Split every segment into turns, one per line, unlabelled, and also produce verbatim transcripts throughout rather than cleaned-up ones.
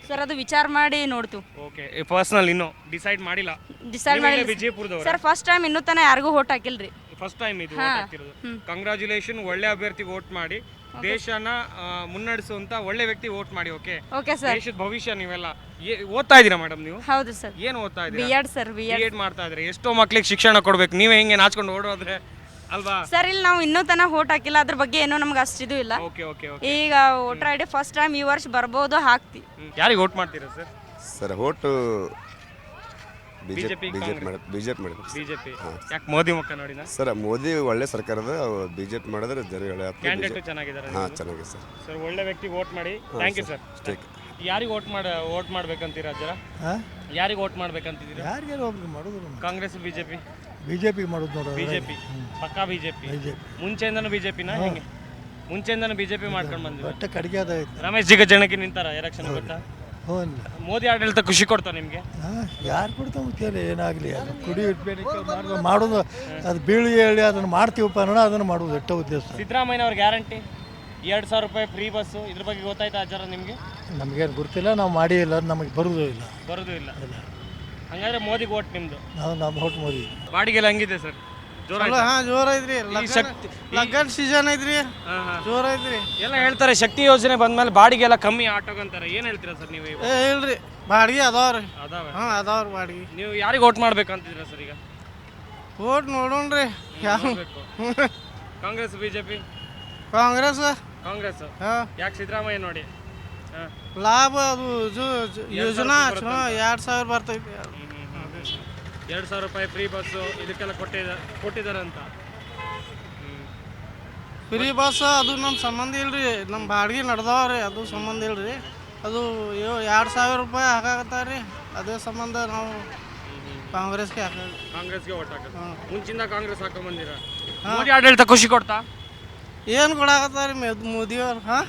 Sir ಅದು ವಿಚಾರ ಮಾಡಿ ನೋಡ್ತೀವಿ.
ಓಕೆ, ಪರ್ಸನಲ್ ಇನ್ನೂ ಡಿಸೈಡ್ ಮಾಡಿಲ್ಲ.
ಡಿಸೈಡ್ ಮಾಡಿ
ವಿಜಯಪುರದವರು
ಸರ್ ಫಸ್ಟ್ ಟೈಮ್ ಇನ್ನೂ ತನಕ ಯಾರಿಗೂ ಓಟ್ ಹಾಕಿಲ್ರಿ.
ಫಸ್ಟ್ ಟೈಮ್ ಇದು ವೋಟ್ ಹಾಕ್ತಿರೋದು. ಕಂಗ್ರಾಚುಲೇಷನ್, ಒಳ್ಳೆ ಅಭ್ಯರ್ಥಿಗೆ ವೋಟ್ ಮಾಡಿ ದೇಶನ ಮುನ್ನಡೆಸುವಂತ ಒಳ್ಳೆ ವ್ಯಕ್ತಿ ವೋಟ್ ಮಾಡಿ. Okay
okay sir.
ದೇಶದ ಭವಿಷ್ಯ. ನೀವೆಲ್ಲ ಏ- ಓದ್ತಾ ಇದ್ದೀರಾ ಮೇಡಮ್ ನೀವು?
ಹೌದು ಸರ್.
ಏನು ಓದ್ತಾ
ಬಿ
ಇದ್ದೀರಾ?
Ed sir B
B
Ed
Ed ಮಾಡ್ತಾ ಇದ್ರೆ ಎಷ್ಟೋ ಮಕ್ಳಿಗೆ ಶಿಕ್ಷಣ ಕೊಡ್ಬೇಕು, ನೀವೇ ಹಿಂಗೆ ನಾಚ್ಕೊಂಡು ಓಡೋದ್ರೆ ಅಲ್ವಾ?
ಸರ್ ಇಲ್ಲಿ ನಾವು ಇನ್ನೂ ತನಕ ಓಟ್ ಹಾಕಿಲ್ಲ, ಅದ್ರ ಬಗ್ಗೆ ಏನೋ ನಮ್ಗೆ ಅಷ್ಟಿದು ಇಲ್ಲ.
Okay okay okay.
ಈಗ voter I D first time ಈ ವರ್ಷ ಬರ್ಬೋದು, ಹಾಕ್ತಿ.
ಯಾರಿಗೆ ವೋಟ್ ಮಾಡ್ತೀರಾ sir?
Sir vote
BJP,
BJP ಮಾಡಿ ಬಿಜೆಪಿ ಮಾಡಿದ್ರು
ಬಿಜೆಪಿ. ಯಾಕೆ ಮೋದಿ ಮುಖ ನೋಡಿನ?
ಸರ್ ಮೋದಿ ಒಳ್ಳೆ ಸರ್ಕಾರದ ಬಿಜೆಪಿ ಮಾಡಿದ್ರೆ ಜನ ಒಳ್ಳೆ
ಕ್ಯಾಂಡಿಡೇಟ್ ಚೆನ್ನಾಗಿದ್ದಾರೆ.
ಹಾಂ ಚೆನ್ನಾಗಿದೆ ಸರ್.
ಸರ್ ಒಳ್ಳೆ ವ್ಯಕ್ತಿ ವೋಟ್ ಮಾಡಿ. Thank you sir.
ಅಷ್ಟೇ.
ಯಾರಿಗೆ ವೋಟ್ ಮಾಡ ವೋಟ್ ಮಾಡ್ಬೇಕಂತೀರಾ ಜರ? ಯಾರಿಗೆ ವೋಟ್ ಮಾಡ್ಬೇಕಂತಿದ್ದೀರಾ?
ಯಾರಿಗಾರು ಒಬ್ರಿಗೆ ಮಾಡೋದು
ಕಾಂಗ್ರೆಸ್ ಬಿಜೆಪಿ?
ಬಿಜೆಪಿ ಮಾಡೋದು ನೋಡೋದು.
ಬಿಜೆಪಿ ಪಕ್ಕಾ ಬಿಜೆಪಿ. ಮುಂಚೆಯಿಂದನೂ ಬಿಜೆಪಿನ ಹೆಂಗೆ? ಮುಂಚೆಯಿಂದನೂ ಬಿಜೆಪಿ ಮಾಡ್ಕೊಂಡು ಬಂದಿದ್ದಾರೆ.
ಒಟ್ಟು ಕಡಿಗೆ ಅದ ಐತೆ.
ರಮೇಶ್ ಜಿಗಜಿಣಗಿ ನಿಂತಾರ ಎಲೆಕ್ಷನ್ ಗೊತ್ತಾ?
ಹ್ಞೂ.
ಮೋದಿ ಆಡಳಿತ ಖುಷಿ ಕೊಡ್ತಾ ನಿಮಗೆ?
ಹಾಂ ಯಾರು ಕೊಡ್ತಾ ಮುಖ್ಯ ಏನಾಗಲಿ ಅದು ಕುಡಿ ಇಟ್ಬೇಡಿಕೆ ಮಾಡೋದು ಮಾಡೋದು ಅದು ಬೀಳಿ ಹೇಳಿ ಅದನ್ನು ಮಾಡ್ತೀವಪ್ಪ ಅನ್ನೋಣ ಅದನ್ನು ಮಾಡೋದು ಎಷ್ಟೋ ಉದ್ದೇಶ.
ಸಿದ್ದರಾಮಯ್ಯ ಅವ್ರ ಗ್ಯಾರಂಟಿ ಎರಡು ಸಾವಿರ ರೂಪಾಯಿ ಫ್ರೀ ಬಸ್ಸು, ಇದ್ರ ಬಗ್ಗೆ ಗೊತ್ತಾಯ್ತಾ ಅಜ್ಜಾರ ನಿಮಗೆ?
ನಮಗೇನು ಗೊತ್ತಿಲ್ಲ, ನಾವು ಮಾಡೇ ಇಲ್ಲ, ಅದು ನಮಗೆ ಬರೋದು ಇಲ್ಲ.
ಬರೋದು ಇಲ್ಲ. ಹಂಗಾದ್ರೆ ಮೋದಿಗೆ ಓಟ್ ನಿಮ್ದು?
ನಾವು ನಮ್ಮ ಹೊಟ್ಟು ಮೋದಿ.
ಬಾಡಿಗೆಲ್ಲ ಹಂಗಿದೆ ಸರ್? ಜೋರ
ಹಾ ಜೋರ ಐತ್ರಿ. ಲಗ್ನ ಸೀಸನ್ ಐತ್ರಿ, ಜೋರ ಐತ್ರಿ.
ಎಲ್ಲ ಹೇಳ್ತಾರೆ ಶಕ್ತಿ ಯೋಜನೆ ಬಂದ್ಮೇಲೆ ಬಾಡಿಗೆ ಎಲ್ಲ ಕಮ್ಮಿ ಆಟೋಗಂತಾರೆ. ಏನ್ ಹೇಳ್ತೀರಾ ಸರ್ ನೀವು?
ಏ ಇಲ್ರಿ, ಬಾಡಿಗೆ ಅದಾವ್ರಿ.
ಅದಾವೆ?
ಹಾ ಅದಾವ್ರಿ ಬಾಡಿಗೆ.
ನೀವು ಯಾರಿಗೆ ಓಟ್ ಮಾಡ್ಬೇಕಂತಿದ್ದೀರಾ ಸರ್ ಈಗ?
ಓಟ್ ನೋಡೋಣ್ರಿ ಯಾವ.
ಕಾಂಗ್ರೆಸ್ ಬಿಜೆಪಿ?
ಕಾಂಗ್ರೆಸ್.
ಕಾಂಗ್ರೆಸ್.
ಹಾ
ಯಾಕೆ ಸಿದ್ದರಾಮಯ್ಯ ನೋಡಿ? ಹಾ.
ಲಾಭ ಅದು ಜು- ಜು- ಯೋಜನಾ ಚಲೋ ಎರಡು ಸಾವಿರ ಬರ್ತೈತಿ.
ಎರಡು ಸಾವಿರ ರೂಪಾಯಿ ಫ್ರೀ ಬಸ್ಸು ಇದಕ್ಕೆಲ್ಲ ಕೊಟ್ಟಿದ ಕೊಟ್ಟಿದ್ದಾರೆ ಅಂತ.
ಫ್ರೀ ಬಸ್ ಅದು ನಮ್ಮ ಸಂಬಂಧ ಇಲ್ರಿ, ನಮ್ಮ ಬಾಡಿಗೆ ನಡ್ದಾವ್ರಿ, ಅದು ಸಂಬಂಧ ಇಲ್ರಿ. ಅದು ಎರಡು ಸಾವಿರ ರೂಪಾಯಿ ಹಾಕಾಕತ್ತಾರ್ರಿ, ಅದೇ ಸಂಬಂಧ ನಾವು ಕಾಂಗ್ರೆಸ್ಗೆ ಹಾಕ
ಕಾಂಗ್ರೆಸ್ಗೆ ಓಟ್ ಹಾಕೋದು. ಮುಂಚಿಂದ ಕಾಂಗ್ರೆಸ್ ಹಾಕೊಂಡ್ ಬಂದಿರ. ಮೋದಿ ಆಡಳಿತ ಖುಷಿ ಕೊಡ್ತಾ?
ಏನು ಕೊಡಾಕತ್ತಾರಿ ಮೋದಿಯವ್ರು? ಹಾಂ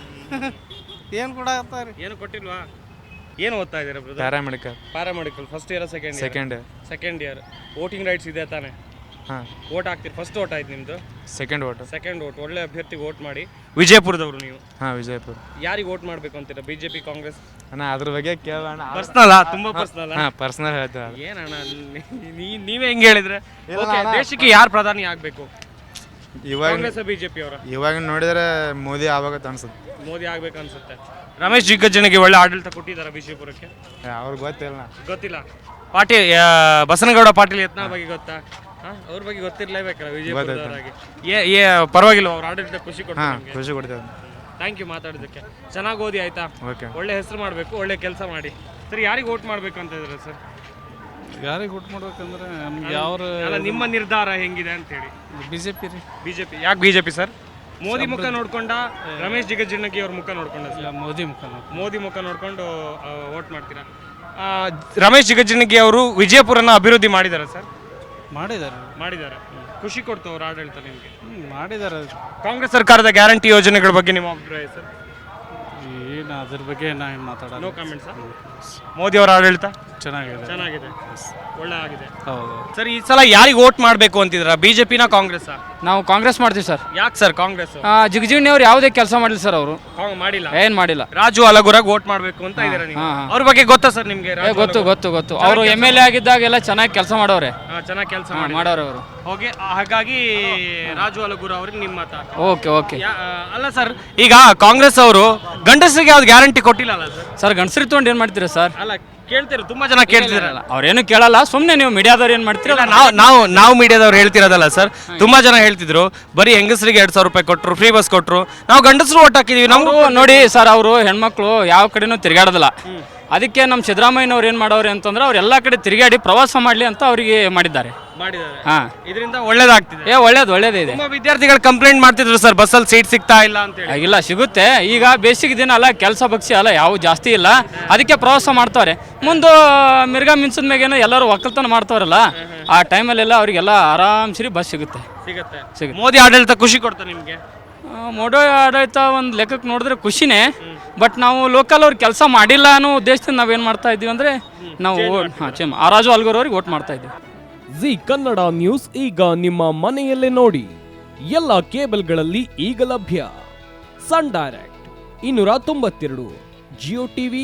ಏನು ಕೊಡಾಕತ್ತಾರಿ?
ಏನು ಕೊಟ್ಟಿಲ್ವಾ? ಏನು ಓದ್ತಾ ಇದ್ದೀರಾ brother?
Paramedical.
Paramedical first year second year?
Second
second year. Voting rights ಇದೆ ತಾನೇ?
ಹಾಂ.
ವೋಟ್ ಹಾಕ್ತೀರಿ? ಫಸ್ಟ್ ವೋಟ್ ಆಯ್ತು ನಿಮ್ಮದು?
Second vote.
Second vote. ಒಳ್ಳೆ ಅಭ್ಯರ್ಥಿಗೆ ವೋಟ್ ಮಾಡಿ. ವಿಜಯಪುರದವರು ನೀವು?
ಹಾಂ ವಿಜಯಪುರ.
ಯಾರಿಗೆ ವೋಟ್ ಮಾಡಬೇಕು ಅಂತೀರಾ? ಬಿಜೆಪಿ, ಕಾಂಗ್ರೆಸ್?
ಅಣ್ಣ ಅದ್ರ ಬಗ್ಗೆ ಕೇಳೋಣ.
ಪರ್ಸ್ನಲ್? ತುಂಬ ಪರ್ಸ್ನಲ್.
ಹಾಂ ಪರ್ಸನಲ್ ಹೇಳ್ತಾರೆ.
ಏನಣ್ಣ ನೀ- ನೀವೇ ಹೆಂಗೆ ಹೇಳಿದ್ರೆ? ದೇಶಕ್ಕೆ ಯಾರು ಪ್ರಧಾನಿ ಆಗಬೇಕು?
ಇವಾಗ
ಕಾಂಗ್ರೆಸ್ ಬಿಜೆಪಿ ಅವರ?
ಇವಾಗ ನೋಡಿದ್ರೆ ಮೋದಿ ಆವಾಗತ್ತೆ ಅನ್ಸುತ್ತೆ.
ಮೋದಿ ಆಗ್ಬೇಕು ಅನ್ಸುತ್ತೆ. ರಮೇಶ್ ಜಿಗಜಿಣಗಿ ಒಳ್ಳೆ ಆಡಳಿತ ಕೊಟ್ಟಿದ್ದಾರೆ ವಿಜಯಪುರಕ್ಕೆ?
ಅವ್ರಿಗೆ ಗೊತ್ತಿಲ್ಲ.
ಗೊತ್ತಿಲ್ಲ. ಪಾಟೀಲ್ ಬಸನಗೌಡ ಪಾಟೀಲ್ ಯತ್ನಾಳ್ ಬಗ್ಗೆ ಗೊತ್ತಾ? ಅವ್ರ ಬಗ್ಗೆ ಗೊತ್ತಿರ್ಲೇಬೇಕಲ್ಲ ವಿಜಯಪುರದವರಾಗಿ. ಏ ಏ ಪರವಾಗಿಲ್ಲ, ಅವ್ರ ಆಡಳಿತ ಖುಷಿ ಕೊಡ್ತಾರೆ.
ಹಾಂ ಖುಷಿ ಕೊಡ್ತೇವೆ.
ಥ್ಯಾಂಕ್ ಯು ಮಾತಾಡೋದಕ್ಕೆ. ಚೆನ್ನಾಗಿ ಓದಿ ಆಯ್ತಾ?
ಓಕೆ.
ಒಳ್ಳೆ ಹೆಸರು ಮಾಡಬೇಕು, ಒಳ್ಳೆ ಕೆಲಸ ಮಾಡಿ. ಸರಿ, ಯಾರಿಗೆ ವೋಟ್ ಮಾಡಬೇಕು ಅಂತ ಇದ್ದಾರೆ ಸರ್?
ಯಾರಿಗೆ ವೋಟ್ ಮಾಡ್ಬೇಕಂದ್ರೆ ನಮ್ಗೆ ಯಾವ
ಅಲ್ಲ, ನಿಮ್ಮ ನಿರ್ಧಾರ ಹೆಂಗಿದೆ ಅಂತ ಹೇಳಿ.
ಬಿಜೆಪಿ ರೀ.
ಬಿಜೆಪಿ. ಯಾಕೆ ಬಿಜೆಪಿ ಸರ್? ಮೋದಿ ಮುಖ ನೋಡ್ಕೊಂಡ, ರಮೇಶ್ ಜಿಗಜಿಣಗಿ ಅವ್ರ ಮುಖ ನೋಡ್ಕೊಂಡ?
ಮೋದಿ ಮುಖ.
ಮೋದಿ ಮುಖ ನೋಡ್ಕೊಂಡು ವೋಟ್ ಮಾಡ್ತೀರಾ? ಆ, ರಮೇಶ್ ಜಿಗಜಿಣಗಿ ಅವರು ವಿಜಯಪುರನ ಅಭಿವೃದ್ಧಿ ಮಾಡಿದ್ದಾರೆ ಸರ್?
ಮಾಡಿದ್ದಾರೆ
ಮಾಡಿದ್ದಾರೆ. ಖುಷಿ ಕೊಡ್ತು ಅವ್ರ ಆಡಳಿತ ನಿಮಗೆ?
ಮಾಡಿದ್ದಾರೆ.
ಕಾಂಗ್ರೆಸ್ ಸರ್ಕಾರದ ಗ್ಯಾರಂಟಿ ಯೋಜನೆಗಳ ಬಗ್ಗೆ ನಿಮ್ಮ ಅಭಿಪ್ರಾಯ ಸರ್?
ಏನು ಅದ್ರ ಬಗ್ಗೆ ನಾನು ಮಾತಾಡೋಣ.
No comment sir. ಮೋದಿ ಅವರ ಆಡಳಿತ
ಚೆನ್ನಾಗಿದೆ.
ಚೆನ್ನಾಗಿದೆ, ಒಳ್ಳೆ ಆಗಿದೆ.
ಹೌದು
ಸರ್, ಈ ಸಲ ಯಾರಿಗೆ ವೋಟ್ ಮಾಡಬೇಕು ಅಂತಿದ್ರ? ಬಿಜೆಪಿನ ಕಾಂಗ್ರೆಸ್?
ನಾವು ಕಾಂಗ್ರೆಸ್ ಮಾಡ್ತೀವಿ ಸರ್.
ಯಾಕೆ ಸರ್ ಕಾಂಗ್ರೆಸ್?
ಜಿಗಜಿಣಿ ಅವ್ರು ಯಾವುದೇ ಕೆಲಸ ಮಾಡಿಲ್ಲ ಸರ್. ಅವರು
ಮಾಡಿಲ್ಲ?
ಏನ್ ಮಾಡಿಲ್ಲ.
ರಾಜು ಅಲಗುರಾಗ್ ವೋಟ್ ಮಾಡಬೇಕು ಅಂತ ಇದ್ದೀರಾ ನೀವು? ಅವ್ರ ಬಗ್ಗೆ ಗೊತ್ತಾ ಸರ್ ನಿಮ್ಗೆ?
ಗೊತ್ತು ಗೊತ್ತು ಗೊತ್ತು. ಅವರು ಎಮ್ ಎಲ್ ಎ ಆಗಿದ್ದಾಗೆಲ್ಲ ಚೆನ್ನಾಗಿ ಕೆಲಸ ಮಾಡೋರೆ.
ಚೆನ್ನಾಗಿ ಕೆಲಸ
ಮಾಡೋರು ಅವರು.
ಓಕೆ, ಹಾಗಾಗಿ ರಾಜು ಅಲಗುರ ಅವ್ರಿಗೆ ನಿಮ್ಮ ಮತ?
Okay okay.
ಅಲ್ಲ ಸರ್, ಈಗ ಕಾಂಗ್ರೆಸ್ ಅವರು ಗಂಡಸರಿಗೆ ಯಾವ್ದು ಗ್ಯಾರಂಟಿ ಕೊಟ್ಟಿಲ್ಲ ಅಲ್ಲ ಸರ್?
ಸರ್ ಗಂಡಸರಿ ತೊಗೊಂಡು ಏನ್ ಮಾಡ್ತೀರಾ ಸರ್?
ಅಲ್ಲ, ಕೇಳ್ತೀರ, ತುಂಬಾ ಜನ ಕೇಳ್ತಿರಲ್ಲ.
ಅವ್ರೇನು ಕೇಳಲ್ಲ, ಸುಮ್ಮನೆ ನೀವು ಮೀಡಿಯಾದವ್ರು ಏನ್ ಮಾಡ್ತೀರಾ?
ನಾವು ನಾವು ನಾವು ಮೀಡಿಯಾದವ್ರು ಹೇಳ್ತಿರೋದಲ್ಲ ಸರ್. ತುಂಬಾ ಜನ ಹೇಳ್ತಿದ್ರು ಬರೀ ಹೆಂಗಸರಿಗೆ ಎರಡ್ ಸಾವಿರ ರೂಪಾಯಿ ಕೊಟ್ಟರು, ಫ್ರೀ ಬಸ್ ಕೊಟ್ಟರು, ನಾವು ಗಂಡಸರು ಓಟ್ ಹಾಕಿದೀವಿ. ನಾವು
ನೋಡಿ ಸರ್, ಅವರು ಹೆಣ್ಮಕ್ಳು ಯಾವ ಕಡೆನೂ ತಿರುಗಾಡೋದಿಲ್ಲ. ಅದಕ್ಕೆ ನಮ್ಮ ಸಿದ್ದರಾಮಯ್ಯನವ್ರು ಏನು ಮಾಡೋರು ಅಂತಂದ್ರೆ ಅವ್ರು ಎಲ್ಲ ಕಡೆ ತಿರುಗಾಡಿ ಪ್ರವಾಸ ಮಾಡಲಿ ಅಂತ ಅವರಿಗೆ ಮಾಡಿದ್ದಾರೆ. ಹಾ,
ಇದರಿಂದ ಒಳ್ಳೇದಾಗ್ತಿದೆ.
ಏ ಒಳ್ಳೇದು ಒಳ್ಳೇದೇ ಇದೆ.
ತುಂಬಾ ವಿದ್ಯಾರ್ಥಿಗಳು ಕಂಪ್ಲೇಂಟ್ ಮಾಡ್ತಿದ್ರು ಸರ್, ಬಸ್ಸಲ್ಲಿ ಸೀಟ್ ಸಿಗ್ತಾ ಇಲ್ಲ ಅಂತ ಹೇಳಿ.
ಇಲ್ಲ, ಸಿಗುತ್ತೆ. ಈಗ ಬೇಸಿಗೆ ದಿನ ಅಲ್ಲ, ಕೆಲಸ ಬಗ್ಸಿ ಅಲ್ಲ, ಯಾವ ಜಾಸ್ತಿ ಇಲ್ಲ, ಅದಕ್ಕೆ ಪ್ರವಾಸ ಮಾಡ್ತಾರೆ. ಮುಂದೆ ಮಿರ್ಗಾ ಮಿನ್ಸಿದ ಮೇಗೇನೋ ಎಲ್ಲರೂ ಒಕ್ಕಲ್ತನ ಮಾಡ್ತಾರಲ್ಲ, ಆ ಟೈಮಲ್ಲೆಲ್ಲ ಅವರಿಗೆಲ್ಲ ಆರಾಮ್ಸರಿ ಬಸ್ ಸಿಗುತ್ತೆ.
ಸಿಗುತ್ತೆ. ಮೋದಿ ಆಡಳಿತ ಖುಷಿ ಕೊಡ್ತಾ ನಿಮಗೆ?
ಮೋದಿ ಆಡಳಿತ ಒಂದು ಲೆಕ್ಕಕ್ಕೆ ನೋಡಿದ್ರೆ ಖುಷಿನೇ. ಬಟ್ ನಾವು ಲೋಕಲ್ ಅವ್ರು ಕೆಲಸ ಮಾಡಿಲ್ಲ ಅನ್ನೋ ಉದ್ದೇಶದಿಂದ ನಾವೇನು ಮಾಡ್ತಾ ಇದ್ದೀವಿ ಅಂದರೆ ನಾವು ಹಾಂ ಚೇಮ್ ಆ ರಾಜು ಅಲ್ಗೂರ್ ಅವ್ರಿಗೆ ವೋಟ್ ಮಾಡ್ತಾ ಇದ್ದೀವಿ.
ಜಿ ಕನ್ನಡ ನ್ಯೂಸ್ ಈಗ ನಿಮ್ಮ ಮನೆಯಲ್ಲೇ ನೋಡಿ. ಎಲ್ಲ ಕೇಬಲ್ಗಳಲ್ಲಿ ಈಗ ಲಭ್ಯ. ಸನ್ ಡೈರೆಕ್ಟ್ ಇನ್ನೂರ ತೊಂಬತ್ತೆರಡು, ಜಿಯೋ ಟಿವಿ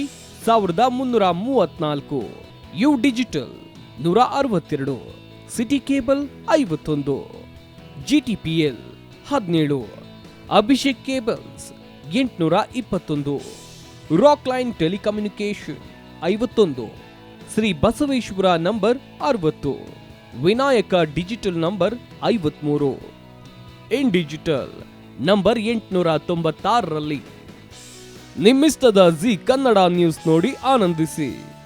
ಸಾವಿರದ ಮುನ್ನೂರ ಮೂವತ್ನಾಲ್ಕು, ಯು ಡಿಜಿಟಲ್ ನೂರ ಅರವತ್ತೆರಡು, ಸಿಟಿ ಕೇಬಲ್ ಐವತ್ತೊಂದು, ಜಿಟಿಪಿಎಲ್ ಹದಿನೇಳು, ಅಭಿಷೇಕ್ ಕೇಬಲ್ಸ್ ಎಂಟುನೂರ ಇಪ್ಪತ್ತೊಂದು, ರಾಕ್ ಲೈನ್ ಟೆಲಿಕಮ್ಯುನಿಕೇಶನ್ ಐವತ್ತೊಂದು, ಶ್ರೀ ಬಸವೇಶ್ವರ ನಂಬರ್ ಅರವತ್ತು, ವಿನಾಯಕ ಡಿಜಿಟಲ್ ನಂಬರ್ ಐವತ್ಮೂರು, ಇನ್ ಡಿಜಿಟಲ್ ನಂಬರ್ ಎಂಟುನೂರ ತೊಂಬತ್ತಾರರಲ್ಲಿ. ನಿಮ್ಮಿಸ್ತದ ಜಿ ಕನ್ನಡ ನ್ಯೂಸ್ ನೋಡಿ ಆನಂದಿಸಿ.